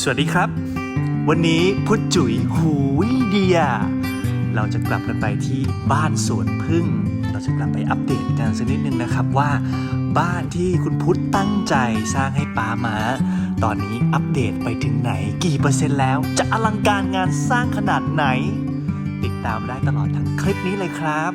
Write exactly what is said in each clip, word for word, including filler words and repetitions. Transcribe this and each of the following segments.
สวัสดีครับวันนี้พุทธจุ๋ยหูยเดียเราจะกลับกันไปที่บ้านสวนพึ่งเราจะกลับไปอัปเดตกันสักนิดนึงนะครับว่าบ้านที่คุณพุทธตั้งใจสร้างให้ป้ามาตอนนี้อัปเดตไปถึงไหนกี่เปอร์เซ็นต์แล้วจะอลังการงานสร้างขนาดไหนติดตามได้ตลอดทั้งคลิปนี้เลยครับ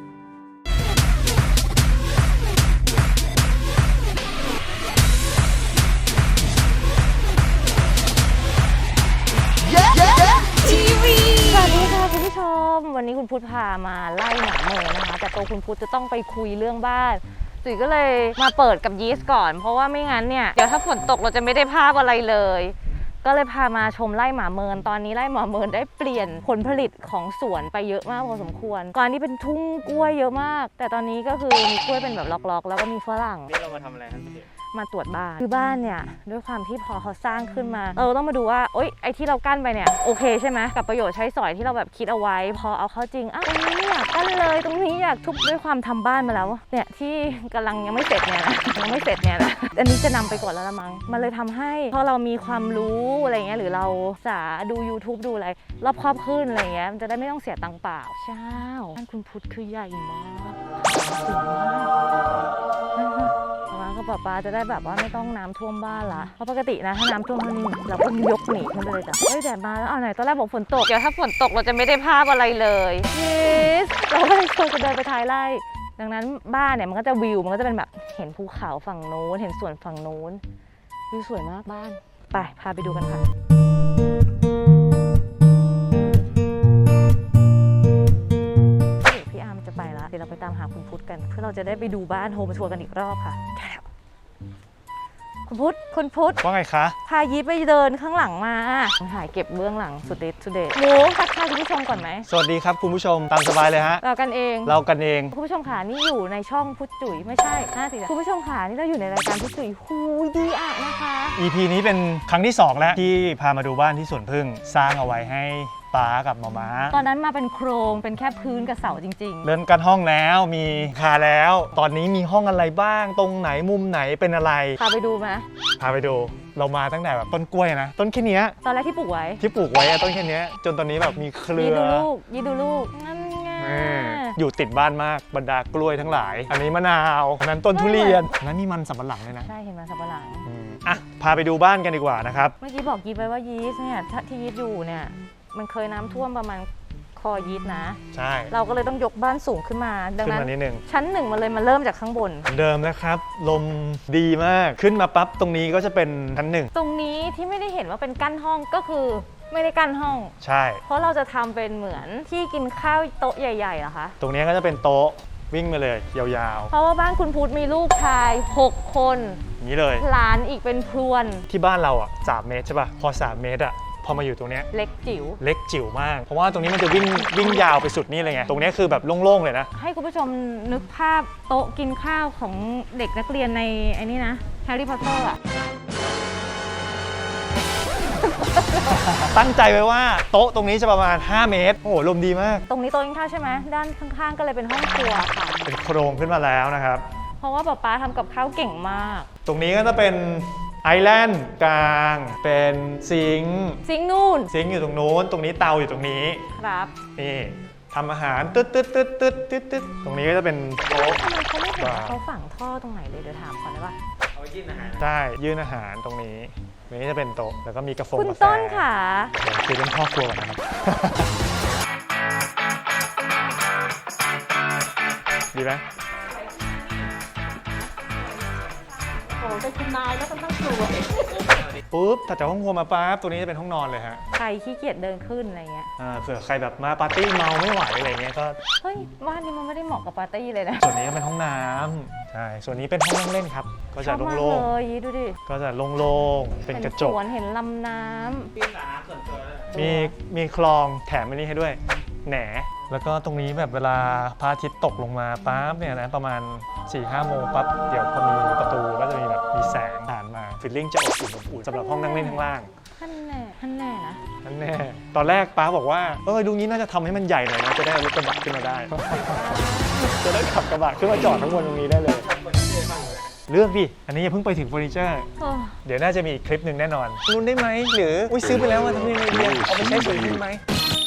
สวัสดีค่ะคุณผู้ชมวันนี้คุณพุทธพามาไล่หมาเมย์นะคะแต่ตัวคุณพุทธจะต้องไปคุยเรื่องบ้านจุ๋ยก็เลยมาเปิดกับยีสต์ก่อนเพราะว่าไม่งั้นเนี่ยเดี๋ยวถ้าฝนตกเราจะไม่ได้ภาพอะไรเลยก็เลยพามาชมไร่หมาเมินตอนนี้ไร่หมาเมินได้เปลี่ยนผลผลิตของสวนไปเยอะมากพอสมควรก่อนนี้เป็นทุ่งกล้วยเยอะมากแต่ตอนนี้ก็คือมีกล้วยเป็นแบบล็อกๆแล้วก็มีฝรั่งนี่เรามาทำอะไรครับพี่มาตรวจบ้านคือบ้านเนี่ยด้วยความที่พอเขาสร้างขึ้นมาเออต้องมาดูว่าโอ๊ยไอ้ที่เรากั้นไปเนี่ยโอเคใช่ไหมกับประโยชน์ใช้สอยที่เราแบบคิดเอาไว้พอเอาเข้าจริงอ้าวตรงนี้ไม่อยากกั้นเลยตรงนี้อยากทุบด้วยความทำบ้านมาแล้วเนี่ยที่กำลังยังไม่เสร็จเนี่ยนะยังไม่เสร็จเนี่ยนะอันนี้จะนำไปก่อนแล้วละมั้งมันเลยทำให้พอเรามีความรู้อะไรเงี้ยหรือเราสาดู ยูทูบ ดูอะไรรอบครอบขึ้นอะไรเงี้ยมันจะได้ไม่ต้องเสียตังค์เปล่าใช่บ้านคุณพุทธคือใหญ่มากสูงมากก็ป้าป้าจะได้แบบว่าไม่ต้องน้ำท่วมบ้านละเพราะปกตินะถ้าน้ำท่วมนี่เราก็ยกหนีขึ้นไปเลยจ้ะเฮ้ยแดดมาแล้วเอาไหนตอนแรกบอกฝนตกเดี๋ยวถ้าฝนตกเราจะไม่ได้ภาพอะไรเลยยิสเราก็เลยควรจะเดินไปท้ายไร่ดังนั้นบ้านเนี่ยมันก็จะวิวมันก็จะเป็นแบบเห็นภูเขาฝั่งโน้นเห็นสวนฝั่งโน้นวิวสวยมากบ้านไปพาไปดูกันค่ะพี่อาร์มจะไปละเดี๋ยวเราไปตามหาคุณพุทธกันเพื่อเราจะได้ไปดูบ้านโฮมทัวร์กันอีกรอบค่ะคุณพุทธคุณพุทธว่าไงคะพายีไปเดินข้างหลังมาถ่ายเก็บเบื้องหลังสุดเด็ดสุดเด็ดหมูทักทายคุณผู้ชมก่อนไหมสวัสดีครับคุณผู้ชมตามสบายเลยฮะเรากันเองเรากันเองคุณผู้ชมขานี่อยู่ในช่องพุทธจุ๋ยไม่ใช่ห้าสิคุณผู้ชมขานี่เราอยู่ในรายการพุทธจุ๋ยฮูดีอ่ะนะคะอี พี นี้เป็นครั้งที่สองแล้วที่พามาดูบ้านที่สวนพึ่งสร้างเอาไว้ให้ป้ากับมาม่าตอนนั้นมาเป็นโครงเป็นแค่พื้นกับเสาจริงๆเริ่มกันห้องแล้วมีคาแล้วตอนนี้มีห้องอะไรบ้างตรงไหนมุมไหนเป็นอะไรพาไปดูไหมพาไปดูเรามาตั้งแต่แบบต้นกล้วยนะต้นแค่นี้ตอนแรกที่ปลูกไว้ที่ปลูกไว้ต้นแค่นี้จนตอนนี้แบบมีเครือยีดูลูกยีดูลูกนั่นไงอยู่ติดบ้านมากบรรดากล้วยทั้งหลายอันนี้มะนาวอันนั้นต้นทุเรียนอันนั้นมีมันสำปะหลังเลยนะใช่เห็นมันสำปะหลังอ่ะพาไปดูบ้านกันดีกว่านะครับเมื่อกี้บอกยีไปว่ายีสเนี่ยที่ยีสอยู่เนี่ยมันเคยน้ำท่วมประมาณคอยีสนะใช่เราก็เลยต้องยกบ้านสูงขึ้นมาดังนั้นนชั้นหนึ่งมันเลยมาเริ่มจากข้างบนเดิมนะครับลมดีมากขึ้นมาปั๊บตรงนี้ก็จะเป็นชั้นหนึ่งตรงนี้ที่ไม่ได้เห็นว่าเป็นกั้นห้องก็คือไม่ได้กั้นห้องใช่เพราะเราจะทำเป็นเหมือนที่กินข้าวโต๊ะใหญ่ๆเหรอคะตรงนี้ก็จะเป็นโต๊ะวิ่งมาเลยยาวๆเพราะว่าบ้านคุณพุทธมีลูกชายหกคนนี้เลยหลานอีกเป็นพรวนที่บ้านเราอ่ะสามเมตรใช่ป่ะพอสามเมตรอ่ะพอมาอยู่ตรงนี้เล็กจิ๋วเล็กจิ๋วมากเพราะว่าตรงนี้มันจะวิ่งวิ่งยาวไปสุดนี่เลยไงตรงนี้คือแบบโล่งๆเลยนะให้คุณผู้ชมนึกภาพโต๊ะกินข้าวของเด็กนักเรียนในไอ้นี่นะแฮร์รี่พอตเตอร์อ่ะตั้งใจไว้ว่าโต๊ะตรงนี้จะประมาณห้าเมตรโอ้โหลมดีมากตรงนี้โต๊ะกินข้าวใช่ไหมด้านข้างๆก็เลยเป็นห้องครัวค่ะเป็นโครงขึ้นมาแล้วนะครับเพราะว่าป๊าป๊าทำกับข้าวเก่งมากตรงนี้ก็จะเป็นไอแลนด์กลางเป็นซิงค์ซิงค์นู่นซิงค์อยู่ตรงนู้นตรงนี้เตาอยู่ตรงนี้ครับนี่ทำอาหารตึ๊ดตึ๊ดตึ๊ดตึ๊ดตึ๊ดตึ๊ดตรงนี้ก็จะเป็นโต๊ะทำไมเขาไม่เห็นเขาฝังท่อตรงไหนเลยเดี๋ยวถามก่อนได้ป่ะเอายื่นอาหารใช่ยื่นอาหารตรงนี้ตรงนี้จะเป็นโต๊ะแล้วก็มีกาแฟคุณต้นค่ะเดี๋ยวคือเป็นพ่อครัวก่อนนะครับดีไหมเป็นคุณนายแล้วก็ต้องครัวปุ๊บถัดจากห้องครัวมาปั๊บตัวนี้จะเป็นห้องนอนเลยฮะใครขี้เกียจเดินขึ้นอะไรเงี้ยอ่าเผื่อใครแบบมาปาร์ตี้เมาไม่ไหวอะไรเงี้ยก็เฮ้ยบ้านนี้มันไม่ได้เหมาะกับปาร์ตี้เลยนะส่วนนี้ก็เป็นห้องน้ำใช่ส่วนนี้เป็นห้องนั่งเล่นครับก็จะโล่งๆเลยดูดิก็จะโล่งๆเป็นกระจกสวนเห็นลำน้ำมีสระน้ำส่วนตัวมีมีคลองแถมอันนี้ให้ด้วยแหนแล้วก็ตรงนี้แบบเวลาพระอาทิตย์ตกลงมาปั๊บเนี่ยนะประมาณ สี่ห้า โมงปั๊บเดี๋ยวพอมีประตูก็จะมีแบบมีแสงผ่านมาฟิลลิ่งจะอบอุ่นอบอุ่นสำหรับห้องนั่งเล่นข้างล่างท่านแน่ท่านแน่นะท่านแน่ตอนแรกป้าบอกว่าเออดูงี้น่าจะทำให้มันใหญ่หน่อยนะจะได้เอารถกระบะขึ้นมาได้จะได้ขับกระบะขึ้นมาจอดทั้งบนตรงนี้ได้เลยเลือกดิอันนี้อย่าเพิ่งไปถึงเฟอร์นิเจอร์โอ้เดี๋ยวน่าจะมีอีกคลิปหนึ่งแน่นอนรุ่นได้ไหมหรืออุ้ยซื้อไปแล้วมาทำยังไงดีเอาไปใช้สวยขึ้นไหม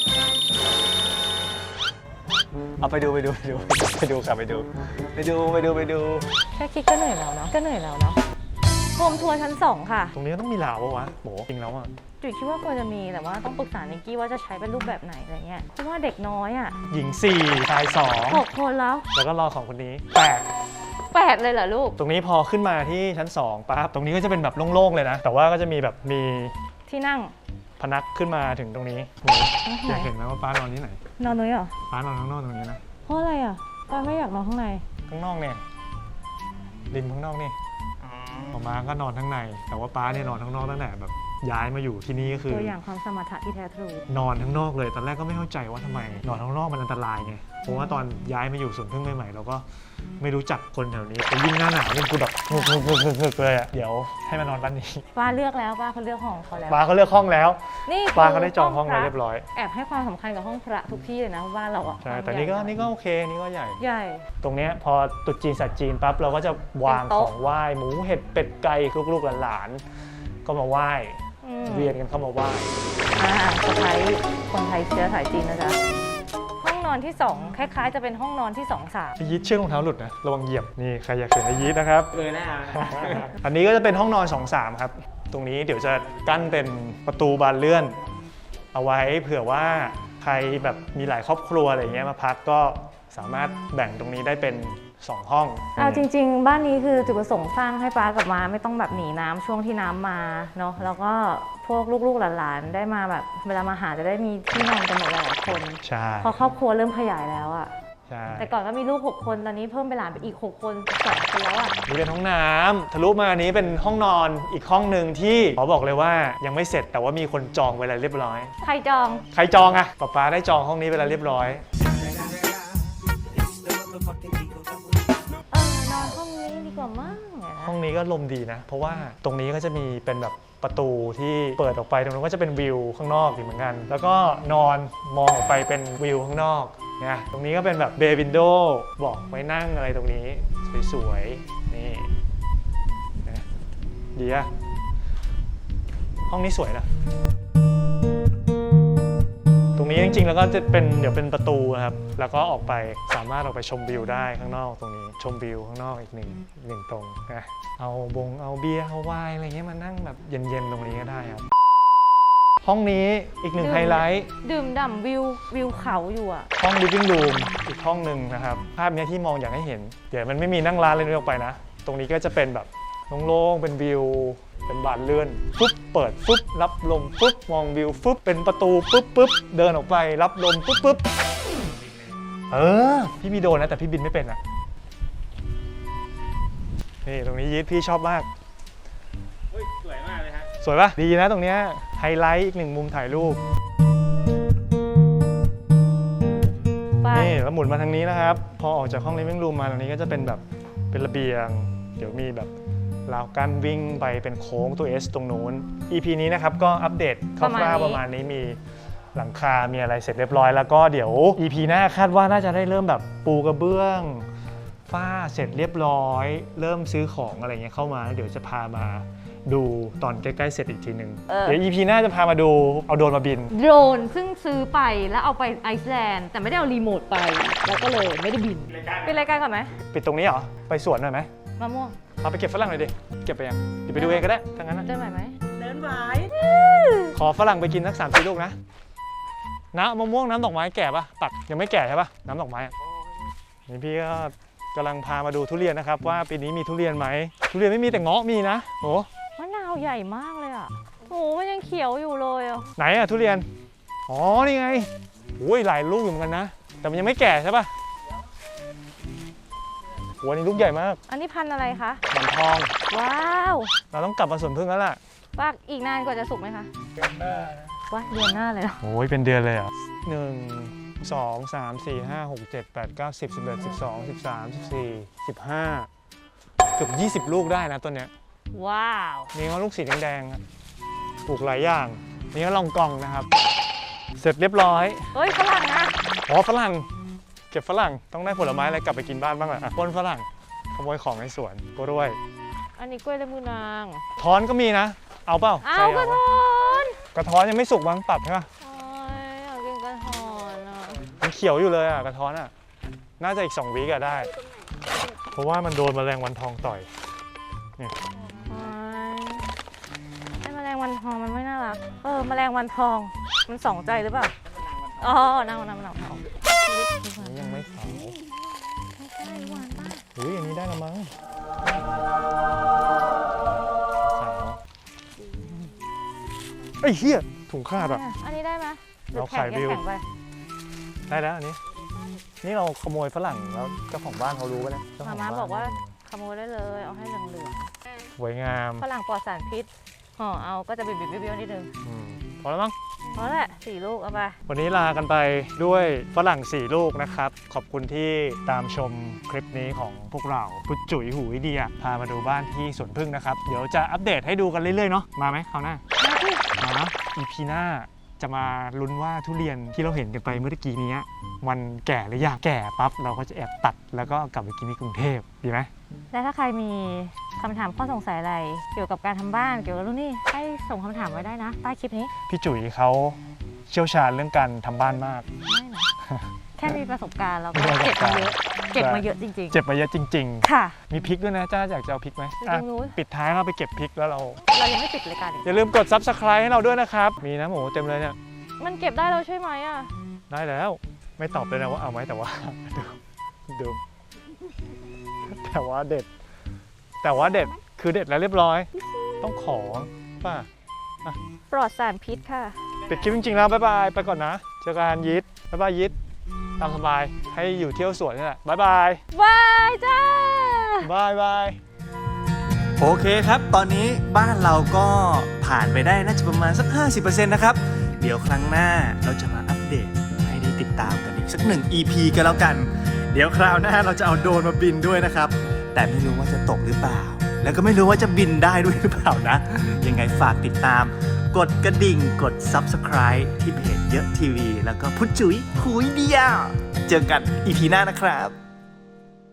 เอาไปดูไปดูไปดูไปดูครับไปดูไปดูไปดูไปดูแค่คิดก็เหนื่อยแล้วเนาะก็เหนื่อยแล้วเนาะโฮมทัวร์ชั้นสองค่ะตรงนี้ก็ต้องมีลาวปะวะโหจริงแล้วอ่ะจุ๋ยคิดว่าควรจะมีแต่ว่าต้องปรึกษานิกกี้ว่าจะใช้เป็นรูปแบบไหนอะไรเงี้ยเพราะว่าเด็กน้อยอ่ะหญิงสี่ชายสองหกคนแล้วแล้วก็รอของคนนี้แปดแปดเลยเหรอลูกตรงนี้พอขึ้นมาที่ชั้นสองปั๊บตรงนี้ก็จะเป็นแบบโล่งๆเลยนะแต่ว่าก็จะมีแบบมีที่นั่งพนักขึ้นมาถึงตรงนี้โหอยากเห็นไหมว่าป้านอนที่ไหนนอนนุ้ยเหรอป้านอนข้างนอกตรงนี้นะเพราะอะไรอ่ะป้าไม่อยากนอนข้างในข้างนอกเนี่ยริมข้างนอกนี่ออกมาก็นอนข้างใน แต่ว่าป้าเนี่ยนอนข้างนอกตั้งแต่แบบย้ายมาอยู่ที่นี่ก็คือตัวอย่างความสมรรถะที่แท้ทรูนอนข้างนอกเลยตอนแรกก็ไม่เข้าใจว่าทำไมนอนข้างนอกมันอันตรายไงเพราะว่าตอนย้ายมาอยู่สวนพึ่งใหม่ๆเราก็ไม่รู้จักคนแถวนี้แต่ยิ่งหน้าหนาวมันกูแบบงึกงึกงึกงึกงึกเลยอ่ะเดี๋ยวให้มานอนบ้านนี้ป้าเลือกแล้วป้าเขาเลือกห้องเขาแล้วป้าเขาเลือกห้องแล้วนี่ป้าเขาได้จองห้องไว้เรียบร้อยแอบให้ความสำคัญกับห้องพระทุกที่เลยนะบ้านเราอ่ะใช่แต่นี่ก็นี่ก็โอเคนี่ก็ใหญ่ใหญ่ตรงเนี้ยพอตรุษจีนสัตว์จีนปั๊บเราก็จะวางเป็นขโต๊ะองไหว้หมูเห็ดเป็ดไก่ลูกๆหลานๆก็มาไหว้อืมเวียนกันเข้ามาไหว้อ่าสะพ้ายคนไทยเชื้อสายจีนนะจ๊ะห้องนอนที่สองคล้ายๆจะเป็นห้องนอนที่สองสามพี่ยีดเชือกรองเท้าหลุดนะระวังเหยียบนี่ใครอยากเห็นไอ้ยีดนะครับเออหน้าอันนี้ก็จะเป็นห้องนอน สอง สาม ครับ ตรงนี้เดี๋ยวจะกั้นเป็นประตูบานเลื่อน เอาไว้เผื่อว่าใครแบบมีหลายครอบครัวอะไรอย่างเงี้ยมาพักก็สามารถแบ่งตรงนี้ได้เป็นสองห้องเอาจริงๆ บ้านนี้คือจุดประสงค์สร้างให้ป้ากับมาไม่ต้องแบบหนีน้ำช่วงที่น้ำมาเนาะแล้วก็พวกลูกๆหลานๆได้มาแบบเวลามาหาจะได้มีที่นอนกันหมดหลายๆคนใช่พอครอบครัวเริ่มขยายแล้วอะใช่แต่ก่อนก็มีลูกหกคนตอนนี้เพิ่มไปหลานไปอีกหกคนสองคนแล้วอะนี่เป็นห้องน้ำทะลุมาอันนี้เป็นห้องนอนอีกห้องหนึ่งที่ขอบอกเลยว่ายังไม่เสร็จแต่ว่ามีคนจองไว้แล้วเรียบร้อยใครจองใครจองอะป๊าป๊าได้จองห้องนี้ไปแล้วเรียบร้อยเออนอนห้องนี้ดีกว่ามั้งเนี่ยนะห้องนี้ก็ลมดีนะ เพราะว่าตรงนี้ก็จะมีเป็นแบบประตูที่เปิดออกไปตรงนั้นก็จะเป็นวิวข้างนอกอีกเหมือนกัน แล้วก็นอนมองออกไปเป็นวิวข้างนอกนะตรงนี้ก็เป็นแบบเบย์วินโดว์บอกไว้นั่งอะไรตรงนี้สวยๆนี่นะดีอะห้องนี้สวยนะตรงนี้จริงๆแล้วก็จะเป็นเดี๋ยวเป็นประตูนะครับแล้วก็ออกไปสามารถออกไปชมวิวได้ข้างนอกตรงนี้ชมวิวข้างนอกอีกหนึ่งอีกหนึ่งตรงนะเอาบงเอาเบียร์เอาไวน์อะไรเงี้ยมานั่งแบบเย็นๆตรงนี้ก็ได้ครับห้องนี้อีกหนึ่งไฮไลท์ดื่มด่ำวิววิวเขาอยู่อะห้อง living room อีกห้องหนึ่งนะครับภาพเนี้ยที่มองอยากให้เห็นเดี๋ยวมันไม่มีนั่งร้านเลยนึกออกไปนะตรงนี้ก็จะเป็นแบบโล่งๆเป็นวิวเป็นบานเลื่อนฟึบเปิดฟึบรับลมฟึบมองวิวฟึบเป็นประตูปึ๊บปึ๊บเดินออกไปรับลมปึ๊บปึ๊บเออพี่มีโดรนนะแต่พี่บินไม่เป็นอ่ะนี่ตรงนี้ยีดพี่ชอบมากสวยมากเลยฮะสวยปะดีนะตรงเนี้ยไฮไลท์อีกหนึ่งมุมถ่ายรูปไปนี่แล้วหมุนมาทางนี้นะครับพอออกจากห้อง living room มาตรงนี้ก็จะเป็นแบบเป็นระเบียงเดี๋ยวมีแบบราวกั้นวิ่งไปเป็นโค้งตัว S ตรงนู้น อี พี นี้นะครับก็อัปเดตคร่าวๆประมาณนี้มีหลังคา มีอะไรเสร็จเรียบร้อยแล้วก็เดี๋ยว อี พี หน้าคาดว่าน่าจะได้เริ่มแบบปูกระเบื้องฝ้าเสร็จเรียบร้อย เริ่มซื้อของอะไรเงี้ยเข้ามาแล้วเดี๋ยวจะพามาดูตอนใกล้ๆเสร็จอีกทีหนึ่งเออเดี๋ยว อี พี หน้าจะพามาดูเอาโดรนมาบินโดรนซึ่งซื้อไปแล้วเอาไปไอซ์แลนด์แต่ไม่ได้เอารีโมทไป แล้วก็เลยไม่ได้บินเป็นรายการก่อนไหมปิดตรงนี้เหรอไปสวนหน่อยไหมมะม่วงเอาไปเก็บฝรั่งหน่อยดิเก็บไปยังเดี๋ยวไปดูเองก็ได้ทั้งนั้นนะเดินไหวไหมเดินไหวขอฝรั่งไปกินสักสามสี่ลูกนะน้ำมะม่วงน้ำดอกไม้แก่ปะตัดยังไม่แก่ใช่ปะน้ำดอกไม้อะนี่พี่ก็กำลังพามาดูทุเรียนนะครับว่าปีนี้มีทุเรียนไหมทุเรียนไม่มีแต่เงาะมีนะโอ้มะนาวใหญ่มากเลยอ่ะโอ้มันยังเขียวอยู่เลยอ่ะไหนอะทุเรียนอ๋อนี่ไงโอ้ยหลายลูกอยู่เหมือนกันนะแต่มันยังไม่แก่ใช่ปะโอ้ยนี่ลูกใหญ่มากอันนี้พันธุ์อะไรคะหมอนทองว้าวเราต้องกลับมาสวนพึ่งแล้วล่ะว่าอีกนานกว่าจะสุกไหมคะว่าเดือนหน้าเลยเหรอโอ้ยเป็นเดือนเลยเหรอ่ะหนึ่งสองสามสี่ห้าหกเจ็ดแปดเก้าสิบสิบเอ็ดสิบสองสิบสามสิบสี่สิบห้าเกือบยี่สิบลูกได้นะต้นเนี้ยว้าวนี่ก็ลูกสีแดงๆอะปลูกหลายอย่างนี่ก็ลองกองนะครับ เสร็จเรียบร้อยเฮ้ยฝรั่งนะอ๋อฝรั่งเก็บฝรั่งต้องได้ผลไม้อะไรกลับไปกินบ้านบ้างแหละอ่ะปนฝรั่งขโมยของในสวนกล้วยอันนี้กล้วยและมือนางท้อนก็มีนะ เอาเปล่าเอาใครกระวท้อนกระท้อนยังไม่สุกมั้งปรับใช่ปะโอ้ยอยากกินกระท้อนอ่ะมันเขียวอยู่เลยอ่ะกระท้อนอ่ะน่าจะอีกสองวีกอะได้ เพราะว่ามันโดนแมลงวันทองต่อยโอ้ยไอ้แมลงวันทองมันไม่น่ารักเออแมลงวันทองมันสองใจหรือเปล่าอ๋อนางนางนางทองอันนี้ยังไม่ขาวไม่ใช่หวานมากอุ้ยอันนี้ได้ละมั้งขาวไอ้เหี้ยถุงขาดอ่ะอันนี้ได้ไหมหรือเราแข็งขายวิวแข็งไปได้แล้วอันนี้ นี่เราขโมยฝรั่งแล้วเจ้าของบ้านเขารู้ไปแล้วเจ้มาขงม่าบ้นบอกว่าขโมยได้เลยเอาให้เหลืองสวยงามๆฝรั่งปลอดสารพิษห่อเอาก็จะบิดๆเบี้ยวๆนิดนึงอืมพอแล้วมั้งเพราะแหละสี่ลูกเอาไปวันนี้ลากันไปด้วยฝรั่งสี่ลูกนะครับ ขอบคุณที่ตามชมคลิปนี้ของพวกเราพุทธจุ๋ยหูวิเดียพามาดูบ้านที่สวนพึ่งนะครับ เดี๋ยวจะอัปเดตให้ดูกันเรื่อยๆเนาะมาไหมคราวหน้ามาที่มาอีพีหน้าจะมาลุ้นว่าทุเรียนที่เราเห็นกันไปเมื่อกี้นี้มันแก่หรือยังแก่ปั๊บเราก็จะแอบตัดแล้วก็กลับไปกินที่กรุงเทพดีไหมและถ้าใครมีคำถามข้อสงสัยอะไร เกี่ยวกับการทำบ้านเกี่ยวกับรุ่นนี้ให้ส่งคำถามไว้ได้นะใต้คลิปนี้พี่จุ๋ยเขาเชี่ยวชาญเรื่องการทำบ้านมากไม่นะ แค่มีประสบการณ์แล้วก็มีประสเก็บบ กามารณ์เยอะเก็บมาเยอะจริงเจ็บมาเยอะจริงๆ ค่ะๆ มีพริกด้วยนะจ้าอยากจะเอาพริกไหมจริงๆอ่ะรู้ปิดท้ายเราไปเก็บพริกแล้วเราเรายังไม่ปิดรายการอีกอย่าลืมกด ซับสไครบ์ ให้เราด้วยนะครับ มีนะหมูเต็มเลยเนี่ยมันเก็บได้แล้วใช่ไหมอ่ะได้แล้วไม่ตอบเลยนะว่าเอาไหมแต่ว่า ดูดูแต่ว่าเด็ด แต่ว่าเด็ดคือเด็ดแล้วเรียบร้อย ต้องขอป่ะปลอดสารพิษค่ะปิดคลิปจริงๆแล้วบ๊ายบายไปก่อนนะเจอกันยิดบ๊ายบายยิดตามสบายให้อยู่เที่ยวสวนนี่แหละบ๊ายบายบายจ้าบายบายโอเคครับ ตอนนี้บ้านเราก็ผ่านไปได้น่าจะประมาณสัก ห้าสิบเปอร์เซ็นต์ นะครับ เดี๋ยวครั้งหน้าเราจะมาอัปเดตให้ได้ติดตามกันอีกสักหนึ่ง อี พี กันแล้วกัน เดี๋ยวคราวหน้าเราจะเอาโดรนมาบินด้วยนะครับ แต่ไม่รู้ว่าจะตกหรือเปล่า แล้วก็ไม่รู้ว่าจะบินได้ด้วยหรือเปล่านะ ยังไงฝากติดตาม กดกระดิ่ง กด ซับสไครบ์ ที่เพจเยอะทีวี แล้วก็พุทธจุ๋ยคุยเดียว เจอกัน อี พี หน้านะครับ